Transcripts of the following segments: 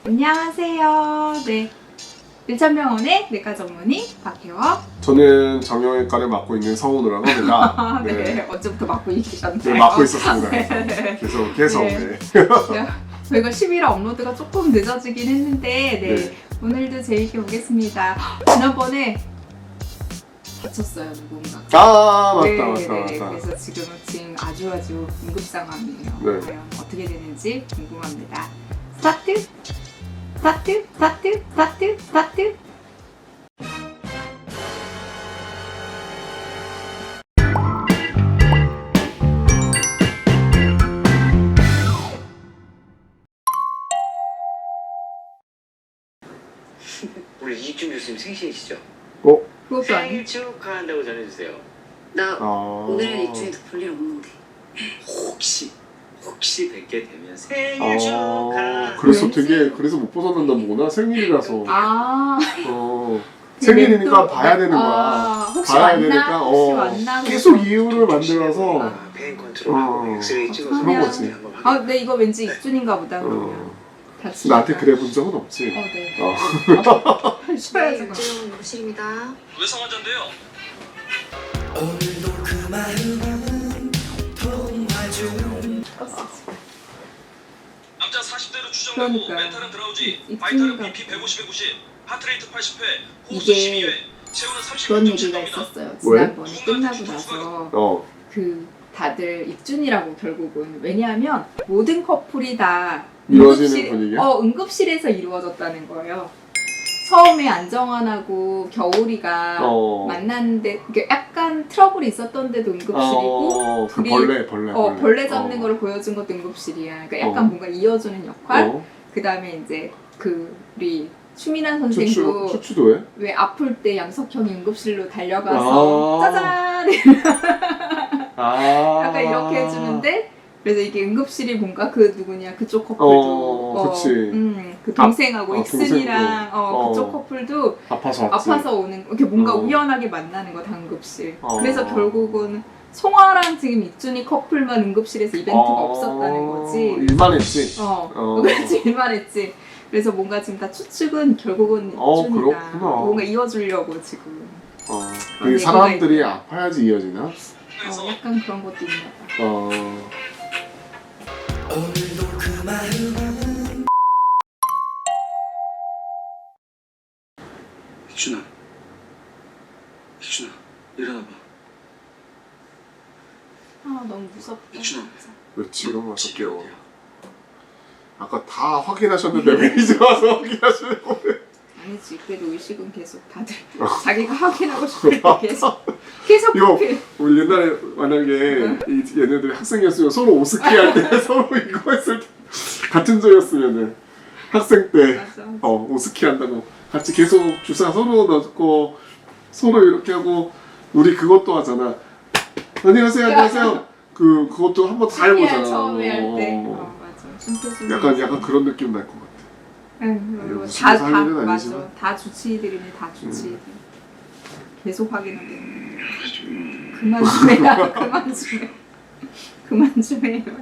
안녕하세요. 네, 일천병원의 내과 전문의 박혜원. 저는 정형외과를 맡고 있는 성훈우라고 합니다. 네, 언제부터 맡고 계셨나요? 네, 맡고 있었습니다. 네. 계속. 네. 저희가 11화 업로드가 조금 늦어지긴 했는데 네. 오늘도 재밌게 보겠습니다. 지난번에 다쳤어요, 누군가. 맞다. 그래서 지금 아주 응급 상황이에요. 네. 과연 어떻게 되는지 궁금합니다. 스타트. 우리 이익준 교수님 생신이시죠? 그것도 아니에요. 생일 축하한다고 전해주세요. 나 오늘은 아. 입주에도 볼 일 없는데. 혹시 뵙게 되면 생일 축하. 그래서 왠지- 그래서 못 벗어난다 보구나. 생일이라서. 아, 생일이니까 또- 봐야 되는 거야. 혹시 봐야 왔나? 되니까 혹시 왔나? 계속 이유를 만들어서 페인 컨트롤하고 엑스레이 찍어서 그런 거지. 한번 확인해. 근데 이거 왠지 익준인가 보다 그러면. 다치니까. 나한테 그래 본 적은 없지. 네. 네, 쉬어야지. 입주용 욕실입니다. 왜 성환자인데요? 남자 40대로 추정되고 그러니까요. 멘탈은 드라우지, 입- 바이탈은 입술인가 BP 150, 190, 하트레이트 80회, 호흡수 이게 12회, 체온은 그런 36.7 얘기가 겁니다. 있었어요. 왜? 지난번에 끝나고 나서 그 다들 익준이라고 결국은. 왜냐하면 모든 커플이 다 이루어지는 분위기야? 응급실에서 이루어졌다는 거예요. 처음에 안정환하고 겨울이가 만났는데 그게 약간 트러블이 있었던데도 응급실이고 그 둘이- 벌레. 벌레 잡는 거를 보여준 것도 응급실이야. 그러니까 약간 뭔가 이어주는 역할. 그 다음에 이제 우리 추민환 선생도 추추도 해? 왜 아플 때 양석형이 응급실로 달려가서 짜잔 약간 이렇게 해주는데, 그래서 이게 응급실이 뭔가 그 누구냐 그쪽 커플도 그치. 그 동생하고 익순이랑 동생도. 그쪽 커플도 아파서 왔지. 아파서 오는 이렇게 뭔가 어. 우연하게 만나는 거 다 응급실. 어. 그래서 결국은 송아랑 지금 익준이 커플만 응급실에서 이벤트가 없었다는 거지. 일만 했지. 그렇지, 일만 했지. 그래서 뭔가 지금 다 추측은 결국은 익준이다. 그렇구나. 뭔가 이어주려고 지금. 그 사람들이 아파야지 이어지나? 약간 그런 것도 있나 봐. 익준아, 일어나봐. 너무 무섭다. 익준아. 진짜. 왜 지금 와서 깨워? 아까 다 확인하셨는데 왜 이제 와서 확인하시려고 그래? 아니지, 그래도 의식은 계속 다들 자기가 확인하고 싶을 때 계속 이거 그렇게. 우리 옛날에 만약에 얘네들이 학생이었으면 서로 오스키 할 때 서로 이거 했을 때 같은 조였으면은 학생 때 맞아. 오스키 한다고 같이 계속 주사 서로 넣고 서로 이렇게 하고 우리 그것도 하잖아. 안녕하세요. 그것도 한번 다 해보잖아. 처음에 할 때. 맞아. 심폐소생. 약간 그런 느낌 날 것 같아. 그리고 무슨 다 사실은 맞아. 아니지만. 다 주치의들이네, 다 주치의들. 계속 확인하게. 그만 좀 해라, 그만 좀 해요.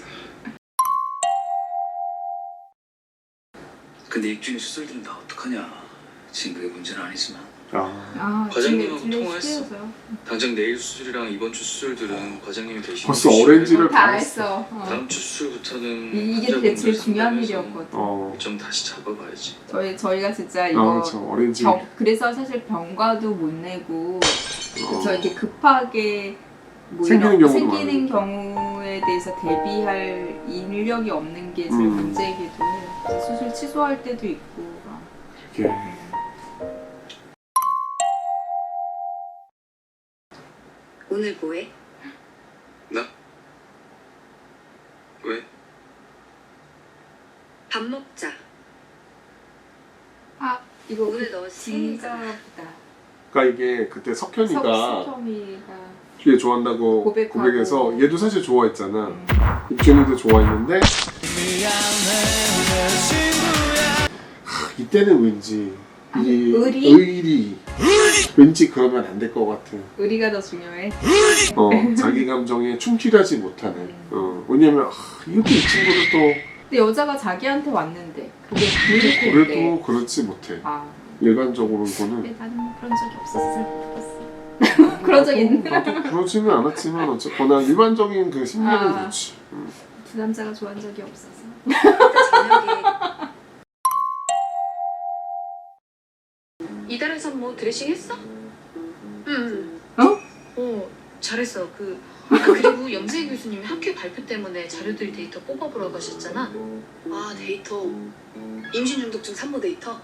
근데 익준이 수술들은 다 어떡하냐. 지금 그게 문제는 아니지만 과장님하고 진짜 통화했어. 시끄러워서요. 당장 내일 수술이랑 이번 주 수술들은 과장님이 대신 벌써 해주시고, 오렌지를 다 했어. 다음 주 수술부터는 이게 되게 제일 중요한 일이었거든. 좀 다시 잡아봐야지. 저희가 진짜 이거 그렇죠. 오렌지. 그래서 사실 병가도 못 내고 저 이렇게 급하게 생기는 경우도 생기는 경우에 대해서 대비할 인력이 없는 게 제일 문제이기도 해요. 그래서 수술 취소할 때도 있고 막. 이게 오늘 뭐해? 나? 왜? 밥 먹자. 이거 오늘 너 생일이잖아. 진짜보다 그러니까 이게 그때 석현이가 석현이가 뒤에 좋아한다고 고백하고. 고백해서 얘도 사실 좋아했잖아. 입준이도 좋아했는데 이때는 왠지 이 의리 왠지 그러면 안 될 것 같은. 의리가 더 중요해. 자기 감정에 충실하지 못하는. 왜냐면 이렇게 이 친구도 또 근데 여자가 자기한테 왔는데 그게 불일텐데. 그래도 그렇지 못해. 아, 일반적으로 이거는 근데 나는 뭐 그런 적이 없었어. 그런 적 있나? 나도 그러지는 않았지만 어쨌거나 일반적인 그 심리는 아. 그렇지. 두 남자가 좋아한 적이 없어서. 저녁에 이달의 산모 드레싱 했어? 응. 어? 잘했어. 그리고 염세 교수님이 학회 발표 때문에 자료들 데이터 뽑아보라고 하셨잖아. 아 데이터. 임신 중독증 산모 데이터.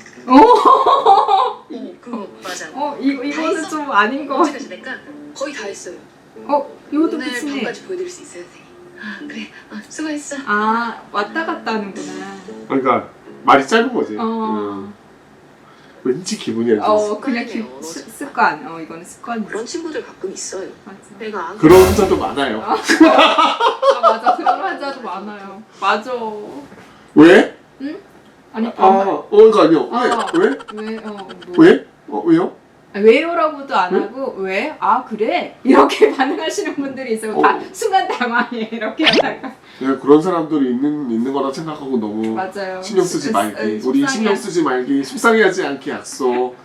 그거 맞아. 이거는 했어? 좀 아닌 거 같아. 언제까지 낼까? 거의 다 했어요. 이것도 오늘 끝이네. 밤까지 보여드릴 수 있어요, 선생님. 아 그래. 수고했어. 아, 왔다 갔다 하는구나. 그러니까 말이 짧은 거지. 어. 왠지 기분이 안 좋았어. 그냥 습관이네요, 습관. 이거는 습관이지. 그런 친구들 가끔 있어요. 맞아. 내가 안 그런 환자도 많아요. 아, 맞아. 그런 환자도 많아요. 맞아. 왜? 아니, 그러니까 아니요. 왜? 왜? 왜? 왜요? 왜요라고도 안 응? 하고 왜? 아 그래? 이렇게 반응하시는 분들이 있어요. 다 순간 당황해 이렇게 하다가. 내가 그런 사람들이 있는 거라 생각하고 너무 맞아요. 신경 쓰지 말기. 우리 신경 쓰지 말기. 속상해하지 않기 약속.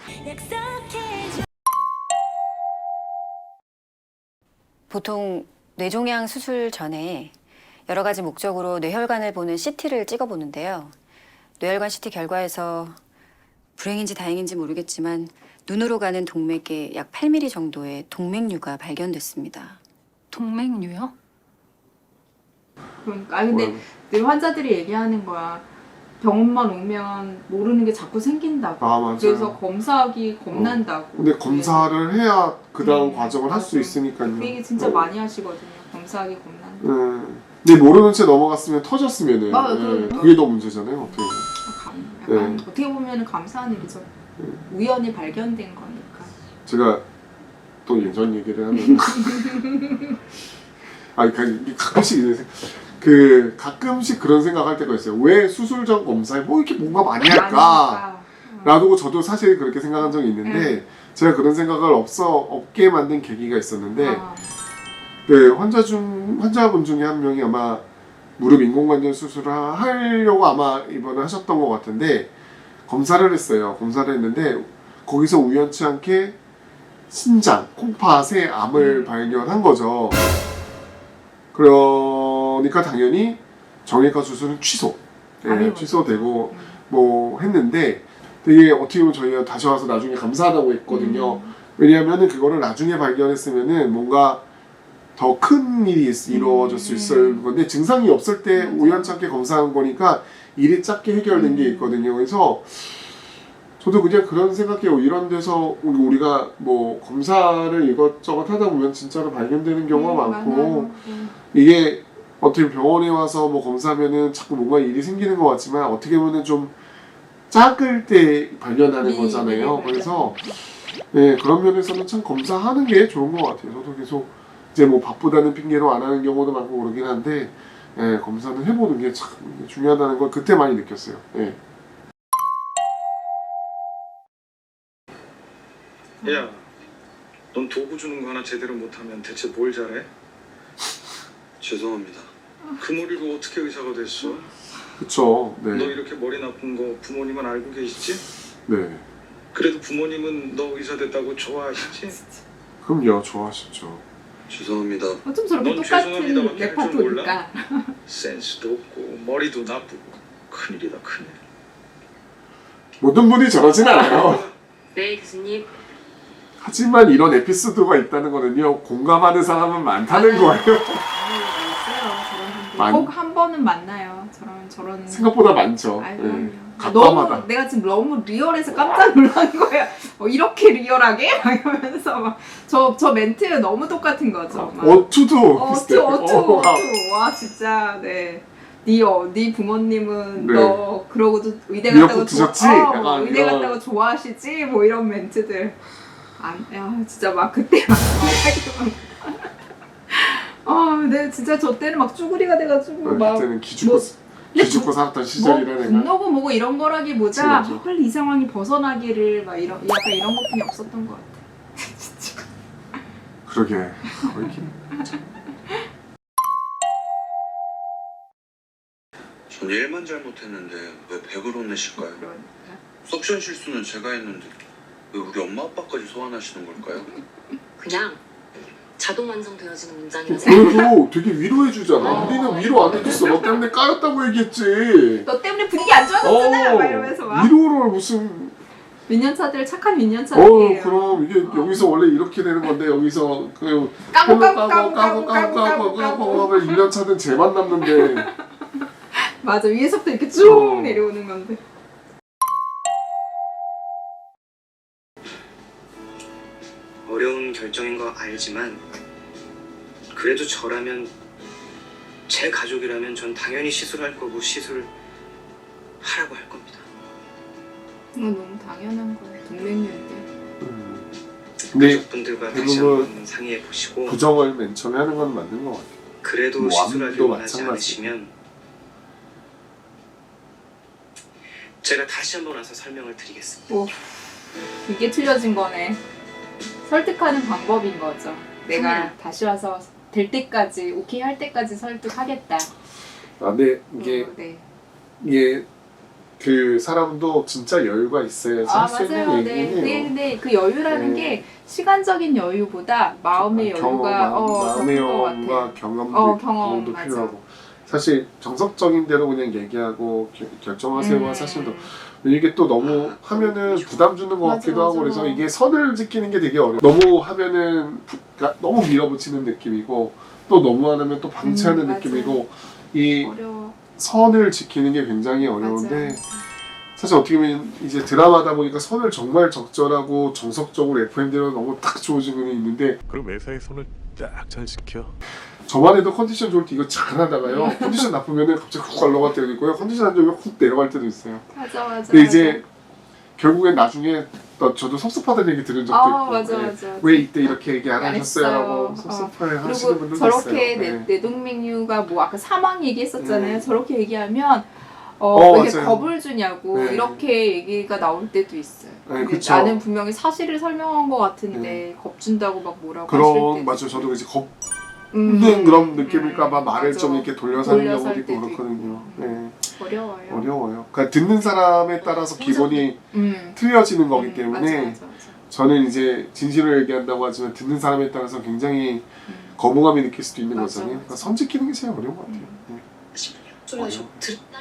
보통 뇌종양 수술 전에 여러 가지 목적으로 뇌혈관을 보는 CT를 찍어보는데요. 뇌혈관 CT 결과에서 불행인지 다행인지 모르겠지만 눈으로 가는 동맥에 약 8mm 정도의 동맥류가 발견됐습니다. 동맥류요? 그러니까 근데 늘 환자들이 얘기하는 거야. 병원만 오면 모르는 게 자꾸 생긴다고. 아 맞아. 그래서 검사하기 겁난다고. 근데 검사를 해야 그 다음 과정을 할 수 맞아. 있으니까요. 그 얘기 진짜 많이 하시거든요. 검사하기 겁난다. 근데 모르는 채 넘어갔으면 터졌으면은 그럼. 그게 더 문제잖아요. 어떻게 보면. 약간 어떻게 보면 감사한 일이죠. 우연히 발견된 거니까. 제가 또 예전 얘기를 하면 가끔씩 이런 가끔씩 그런 생각할 때가 있어요. 왜 수술 전 검사에 뭐 이렇게 뭔가 많이 할까? 놔두고 저도 사실 그렇게 생각한 적이 있는데 제가 그런 생각을 없게 만든 계기가 있었는데 그 환자분 중에 한 명이 아마 무릎 인공관절 수술을 하려고 아마 입원을 하셨던 것 같은데 검사를 했어요. 검사를 했는데 거기서 우연치 않게 신장, 콩팥에 암을 발견한 거죠. 그러니까 당연히 정형외과 수술은 취소되고 뭐 했는데 되게 어떻게 보면 저희가 다시 와서 나중에 감사하다고 했거든요. 왜냐하면은 그거를 나중에 발견했으면은 뭔가 더 큰 일이 이루어졌을 수 있을 건데 증상이 없을 때 우연찮게 검사한 거니까 일이 작게 해결된 게 있거든요. 그래서 저도 그냥 그런 생각해요. 이런 데서 우리가 뭐 검사를 이것저것 하다 보면 진짜로 발견되는 경우가 많고 이게 어떻게 병원에 와서 뭐 검사하면은 자꾸 뭔가 일이 생기는 것 같지만 어떻게 보면 좀 작을 때 발견하는 거잖아요. 그래서 네, 그런 면에서는 참 검사하는 게 좋은 것 같아요. 저도 계속 이제 뭐 바쁘다는 핑계로 안 하는 경우도 많고 그러긴 한데 검사는 해보는 게 참 중요하다는 걸 그때 많이 느꼈어요. 야, 넌 도구 주는 거 하나 제대로 못하면 대체 뭘 잘해? 죄송합니다. 그 머리로 어떻게 의사가 됐어? 그쵸. 너 네. 이렇게 머리 나쁜 거 부모님은 알고 계시지? 네. 그래도 부모님은 너 의사 됐다고 좋아하시지? 그럼요. 좋아하시죠. 죄송합니다. 어쩜 저렇게 넌 똑같은 죄송합니다밖에 할줄 레파토리니까. 센스도 없고 머리도 나쁘고 큰일이다 큰일. 모든 분이 저러진 않아요. 네 교수님. 하지만 이런 에피소드가 있다는 거는요. 공감하는 사람은 많다는 거예요. 있어요. 저런 분들. 꼭 한 번은 만나요. 저런. 생각보다 많죠. 아유, 네. 너무 가끔하다. 내가 지금 너무 리얼해서 깜짝 놀란 거야. 이렇게 리얼하게? 막 이러면서 막 저 멘트 너무 똑같은 거죠. 막. 어투도 비슷해요. 어투. 와 진짜 네. 네 부모님은 네. 너 그러고도 의대 미역국 갔다고 드셨지? 뭐 약간 의대 이런. 갔다고 좋아하시지? 뭐 이런 멘트들. 야 진짜 막 그때 막 생각이 막. 네 진짜 저 때는 막 쭈구리가 돼가지고 막. 그때는 기죽고 살았던 시절이라 내가. 분노고 뭐고 이런 거라기보다 그치, 맞아. 빨리 이 상황이 벗어나기를 막 약간 이런 것뿐이 없었던 것 같아. 진짜. 그러게. 거의 전 일만 잘못했는데 왜 100을 혼내실까요? 그러니까. 석션 실수는 제가 했는데 왜 우리 엄마 아빠까지 소환하시는 걸까요? 그냥 자동 완성되어지는 문장이라서 그래도 되게 위로해주잖아. 어. 우리는 위로 안 해줬어. 너 때문에 까였다고 얘기했지. 너 때문에 분위기 안 좋아졌잖아. 막 이러면서 막. 위로를 무슨 민년차들 착한 민년차들이에요. 그럼 이게 여기서 원래 이렇게 되는 건데 여기서 그 까고 하면 1년 차는 쟤만 남는데 맞아, 위에서부터 이렇게 쭉 어. 내려오는 건데. 어려운 결정인 거 알지만 그래도 저라면 제 가족이라면 전 당연히 시술할 거고 시술을 하라고 할 겁니다. 이건 너무 당연한 거야. 동맹인데. 근데 가족분들과 다시 대부분 한번 상의해 보시고 부정을 맨 처음에 하는 건 맞는 것 같아. 그래도 뭐 시술하길 암도 원하지 마찬가지. 않으시면 제가 다시 한번 와서 설명을 드리겠습니다. 오, 이게 틀려진 거네. 설득하는 방법인 거죠. 내가 다시 와서 될 때까지, 오케이 할 때까지 설득하겠다. 근데 이게 네. 이게 그 사람도 진짜 여유가 있어야지 아, 할 수 있는 맞아요. 네. 얘기예요. 네, 근데 그 여유라는 네. 게 시간적인 여유보다 마음의 여유가 마음의 더 큰 것 여유와 같아요. 경험도 경험, 맞아. 필요하고 사실 정석적인 대로 그냥 얘기하고 결정하세요가 사실 더 이게 또 너무 하면은 부담 주는 것 맞아, 같기도 하고 맞아. 그래서 이게 선을 지키는 게 되게 어려워. 너무 하면은 그러니까 너무 밀어붙이는 느낌이고 또 너무 안 하면 또 방치하는 맞아. 느낌이고 이 어려워. 선을 지키는 게 굉장히 어려운데 맞아. 사실 어떻게 보면 이제 드라마다 보니까 선을 정말 적절하고 정석적으로 FM대로 너무 딱 주어진 게 있는데 그럼 매사에 손을 딱 잘 지켜. 저만 해도 컨디션 좋을 때 이거 잘하다가요 컨디션 나쁘면은 갑자기 훅 올라갈 때도 있고요 컨디션 안 좋으면 훅 내려갈 때도 있어요. 맞아. 근데 이제 결국엔 나중에 저도 섭섭하다는 얘기 들은 적도 있고 맞아, 네. 맞아. 왜 이때 이렇게 얘기 안 안 하셨어요라고 했어요. 섭섭해 하시는 그리고 분들도 저렇게 있어요. 네. 내동맥류가 뭐 아까 사망 얘기했었잖아요. 저렇게 얘기하면 이렇게 맞아요. 겁을 주냐고 네. 이렇게 얘기가 나올 때도 있어요. 네, 근데 그쵸. 나는 분명히 사실을 설명한 것 같은데 겁 준다고 막 뭐라고 하실 그런 때 맞아요. 저도 이제 겁는 그런 느낌일까봐 말을 맞아. 좀 이렇게 돌려서 하는 돌려서 경우도 할 있고 때도 그렇거든요. 네. 어려워요. 어려워요. 그러니까 듣는 사람에 따라서 기본이 틀려지는 거기 때문에 맞아. 저는 이제 진실을 얘기한다고 하지만 듣는 사람에 따라서 굉장히 거부감이 느낄 수도 있는 맞아, 거잖아요. 맞아. 그러니까 선 지키는 게 제일 어려운 것 같아요. 네. 소리가 좀 들었나?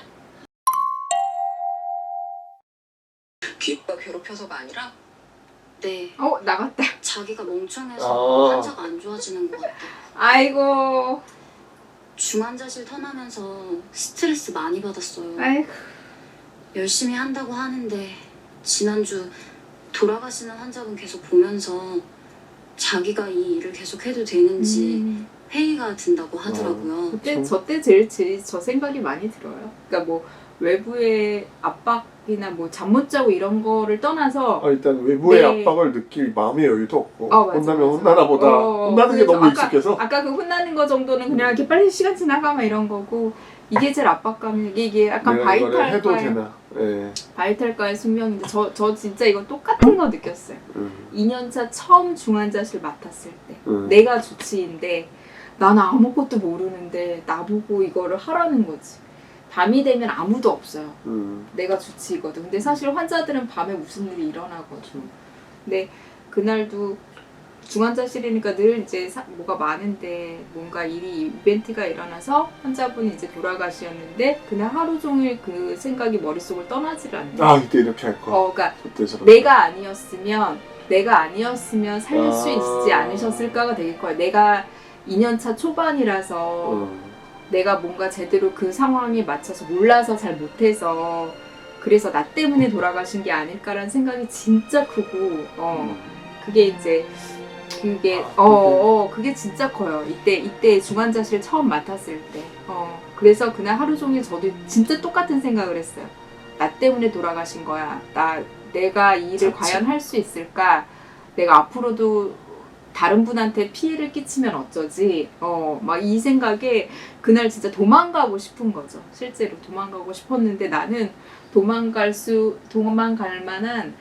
귀가 괴롭혀서가 아니라 네, 나갔다. 자기가 멍청해서 아. 환자가 안 좋아지는 것 같아. 아이고. 중환자실 턴하면서 스트레스 많이 받았어요. 아이고. 열심히 한다고 하는데 지난주 돌아가시는 환자분 계속 보면서 자기가 이 일을 계속 해도 되는지 회의가 든다고 하더라고요. 그때 저때 제일 저 생각이 많이 들어요. 그러니까 뭐 외부의 압박이나 뭐 잠 못 자고 이런 거를 떠나서 일단 외부의 네. 압박을 느낄 마음의 여유도 없고 맞아, 혼나면 맞아. 혼나나 보다 혼나는 게 그래서 너무 익숙해서 아까 그 혼나는 거 정도는 그냥 이렇게 빨리 시간 지나가 막 이런 거고 이게 제일 압박감이 이게 약간 내가 이거를 해도 바이탈과의 되나. 네. 바이탈과의 숙명인데 저 진짜 이거 똑같은 거 느꼈어요. 2년차 처음 중환자실 맡았을 때 내가 주치의인데 나는 아무것도 모르는데 나보고 이거를 하라는 거지. 밤이 되면 아무도 없어요. 내가 주치의거든. 근데 사실 환자들은 밤에 무슨 일이 일어나거든. 근데 그날도 중환자실이니까 늘 이제 뭐가 많은데 뭔가 이벤트가 일어나서 환자분이 이제 돌아가셨는데 그날 하루 종일 그 생각이 머릿속을 떠나질 않네. 이때 이렇게 할 거. 그러니까 그때 저렇게. 내가 아니었으면 살릴 수 있지 않으셨을까가 되게 커요. 내가 2년차 초반이라서 내가 뭔가 제대로 그 상황에 맞춰서 몰라서 잘 못해서 그래서 나 때문에 돌아가신 게 아닐까라는 생각이 진짜 크고 그게 이제 그게 진짜 커요. 이때 중환자실 처음 맡았을 때 그래서 그날 하루 종일 저도 진짜 똑같은 생각을 했어요. 나 때문에 돌아가신 거야. 내가 이 일을 과연 할 수 있을까? 내가 앞으로도 다른 분한테 피해를 끼치면 어쩌지? 막 이 생각에 그날 진짜 도망가고 싶은 거죠. 실제로 도망가고 싶었는데 나는 도망갈 만한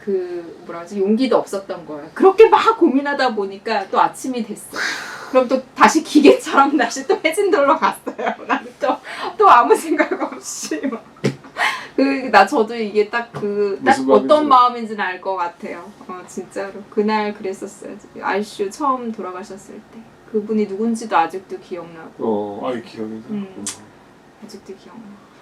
용기도 없었던 거예요. 그렇게 막 고민하다 보니까 또 아침이 됐어. 그럼 또 다시 기계처럼 다시 또 해진돌로 갔어요. 나는 또 아무 생각 없이 막. 저도 이게 딱 무슨 어떤 마음인지. 마음인지는 알 것 같아요. 진짜로. 그날 그랬었어요. 아이슈 처음 돌아가셨을 때. 그분이 누군지도 아직도 기억나고. 아이 기억이 나. 아직도 기억나.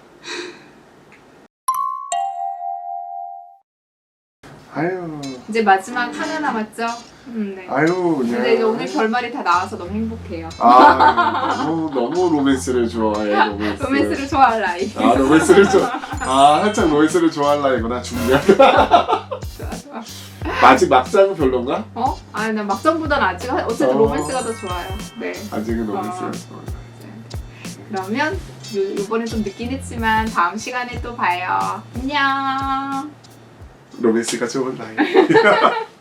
아유. 이제 마지막 하나 남았죠? 네. 아유 그냥. 근데 이제 오늘 결말이 다 나와서 너무 행복해요. 너무 로맨스를 좋아해. 로맨스를 좋아할 나이. 로맨스를 살짝 로맨스를 좋아할 나이구나 중년. 좋아. 막장은 별론가? 아니 난 막장보단 아직 어쨌든 로맨스가 더 좋아요. 네. 아직은 로맨스가 좋아. 그러면 요번에 좀 늦긴 했지만 다음 시간에 또 봐요. 안녕. 로맨스가 좋은 나이.